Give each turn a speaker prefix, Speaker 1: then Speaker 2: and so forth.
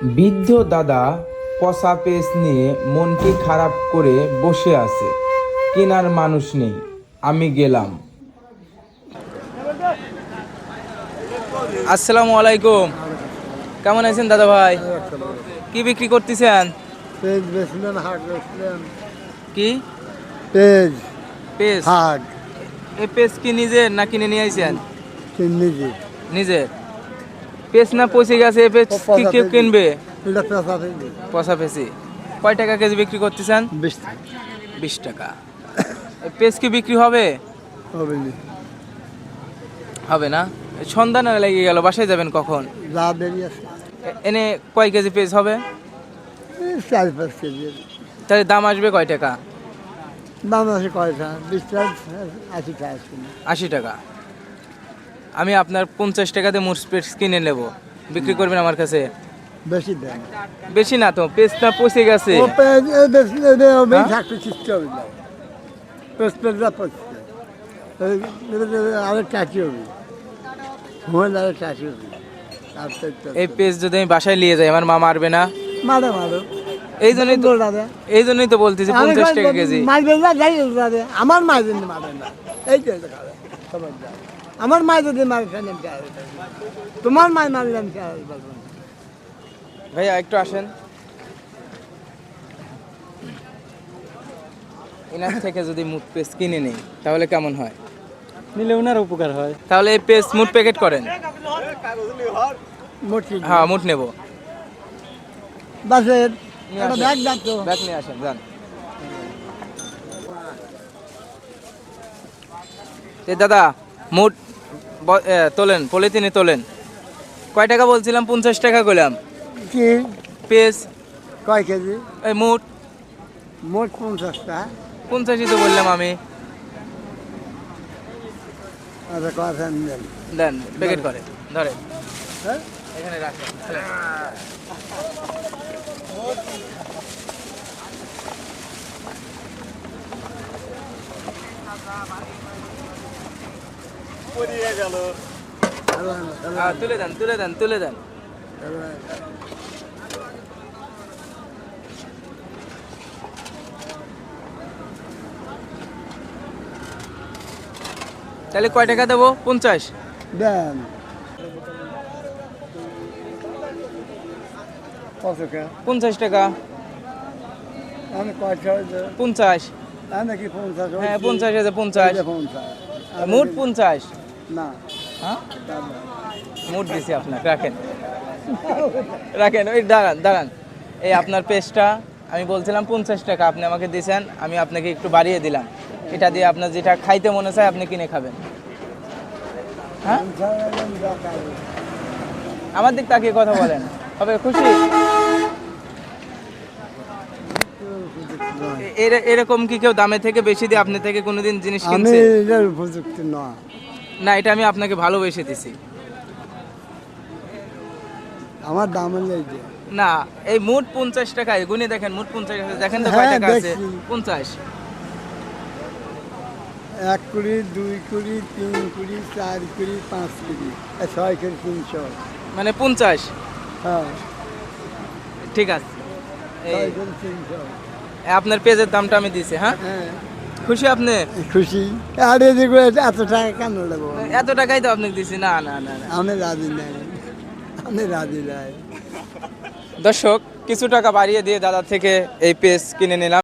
Speaker 1: বৃদ্ধ দাদা পচা পেঁচ নিয়ে মনটি খারাপ করে বসে আছে। কেনার মানুষ নেই। আমি গেলাম।
Speaker 2: আসসালামু আলাইকুম। কেমন আছেন দাদা ভাই? কি বিক্রি করতেছেন?
Speaker 3: পেজ বেচলেন, হাট বেচলেন।
Speaker 2: কি
Speaker 3: পেজ
Speaker 2: পেঁচ?
Speaker 3: হাট
Speaker 2: এই পেঁচ কি নিজের না কিনে নিয়ে আইছেন?
Speaker 3: চিন্নিজি
Speaker 2: নিজের। পেঁচ না পচে গেছে, এই পেঁচ কি কেউ কিনবে?
Speaker 3: এটা পেঁচা পেজ
Speaker 2: পচা পেঁচি। কয় টাকা কেজি বিক্রি করতেছেন?
Speaker 3: 20
Speaker 2: 20 টাকা। এই পেঁচ কি বিক্রি হবে?
Speaker 3: হবে নি।
Speaker 2: হবে না। এই সন্ধ্যা না লেগে গেল, বাসায় যাবেন কখন?
Speaker 3: যা দেরি আছে
Speaker 2: এনে কয় কেজি পেঁচ হবে?
Speaker 3: 4-5 কেজি।
Speaker 2: তাহলে দাম আসবে কয় টাকা?
Speaker 3: দাম আছে কয়টা? 20 টাকা, 80 টাকা আছে।
Speaker 2: 80 টাকা। আমি আপনার 50 টাকাতে মোট পেঁচ কিনে নেব, বিক্রি করবেন আমার কাছে?
Speaker 3: বেশি দেন।
Speaker 2: বেশি না তো, পেঁচটা পচে গেছে।
Speaker 3: ও পেজ এ বেচলে রে হবে
Speaker 2: হ্যাঁ?
Speaker 3: থাকতে চিত্ত হবে না। পেজটা পচছে। আরে টাকি হবে। মোবাইল আরে টাকি হবে।
Speaker 2: এই পেঁচ যদি আমি বাসায় নিয়ে যাই, আমার মা মারবে না?
Speaker 3: মারো মারো।
Speaker 2: এই জন্যই তো বলতেছি 50 টাকা কেজি।
Speaker 3: মারবে না, যাই দাদা। আমার মা যদি মারে না, এই তো খবরদার। আমার মা যদি মারে ফেলেন, তোমার মা মারলে আমি বলবো না।
Speaker 2: ভাইয়া একটু আসেন। এনার থেকে যদি মুট পেঁচ কিনে নেই তাহলে কেমন হয়?
Speaker 3: নিলে ওনার উপকার হয়।
Speaker 2: তাহলে এই পেঁচ মুট প্যাকেট করেন।
Speaker 3: মোটি
Speaker 2: হ্যাঁ, মুট নেব।
Speaker 3: বাসের
Speaker 2: নিয়ে
Speaker 3: একটা
Speaker 2: আসেন।
Speaker 3: ব্যাগ যাচ্ছ।
Speaker 2: ব্যাগ নিয়ে আসেন, যান। এই দাদা, মুট তোলেন, পলিথিনে তোলেন। কয় টাকা বলছিলাম? 50 টাকা কইলাম।
Speaker 3: কি
Speaker 2: পেঁচ
Speaker 3: কয় কেজি?
Speaker 2: এই মুট
Speaker 3: মোট 50টা।
Speaker 2: 50ই তো বললাম আমি।
Speaker 3: আচ্ছা কথা নেন।
Speaker 2: দেন, প্যাকেট করে ধরে
Speaker 3: হ্যাঁ,
Speaker 2: এখানে রাখেন। তুলে দেন, তুলে দেন, তুলে দেন। তাহলে কয় টাকা দেবো? 50?
Speaker 3: দেন কত টাকা?
Speaker 2: 50 টাকা।
Speaker 3: আমি কয়টা?
Speaker 2: 50।
Speaker 3: আমি কি 50?
Speaker 2: হ্যাঁ, 50 আছে, 50।
Speaker 3: 50
Speaker 2: মোট 50।
Speaker 3: না।
Speaker 2: হ্যাঁ, মোট দিছি আপনাকে। রাখেন, রাখেন। ওই দাঁড়ান, দাঁড়ান। এই আপনার পেস্টটা আমি বলছিলাম 50 টাকা, আপনি আমাকে দিয়েছেন, আমি আপনাকে একটু বাড়িয়ে দিলাম। এটা দিয়ে আপনার যেটা খাইতে মনে চায় আপনি কিনে খাবেন। হ্যাঁ, আমার দিক তাকিয়ে কথা বলেন। হবে খুশি? এরকম কি কেউ দামে থেকে বেশি দিয়ে আপনি থেকে কোনোদিন জিনিস
Speaker 3: আমি
Speaker 2: কিনছে?
Speaker 3: এটার উপযুক্ত না।
Speaker 2: না, এটা আমি আপনাকে ভালোবেসে দিছি।
Speaker 3: আমার দাম হলে এই যে।
Speaker 2: না, এই মোট 50 টাকা। গুনে দেখেন, মোট 50 আছে। দেখেন তো কয়
Speaker 3: হ্যাঁ,
Speaker 2: টাকা আছে?
Speaker 3: দেখছি।
Speaker 2: 50।
Speaker 3: 1 কুড়ি, 2 কুড়ি, 3 কুড়ি, 4 কুড়ি, 5 কুড়ি, 6 কুড়ি, 300।
Speaker 2: মানে 50।
Speaker 3: হ্যাঁ,
Speaker 2: ঠিক আছে। এই
Speaker 3: 6 কুড়ি, 300।
Speaker 2: আপনার পেজের দামটা আমি দিছি। হ্যাঁ,
Speaker 3: হ্যাঁ,
Speaker 2: খুশি আপনি?
Speaker 3: খুশি। আর এদিকে এত টাকা কেন দেবো?
Speaker 2: এত টাকাই তো আপনাকে দিছি। না না না না।
Speaker 3: আমি রাজি নাই, আমি রাজি নাই।
Speaker 2: দর্শক, কিছু টাকা বাড়িয়ে দিয়ে দাদা থেকে এই পেজ কিনে নিলাম।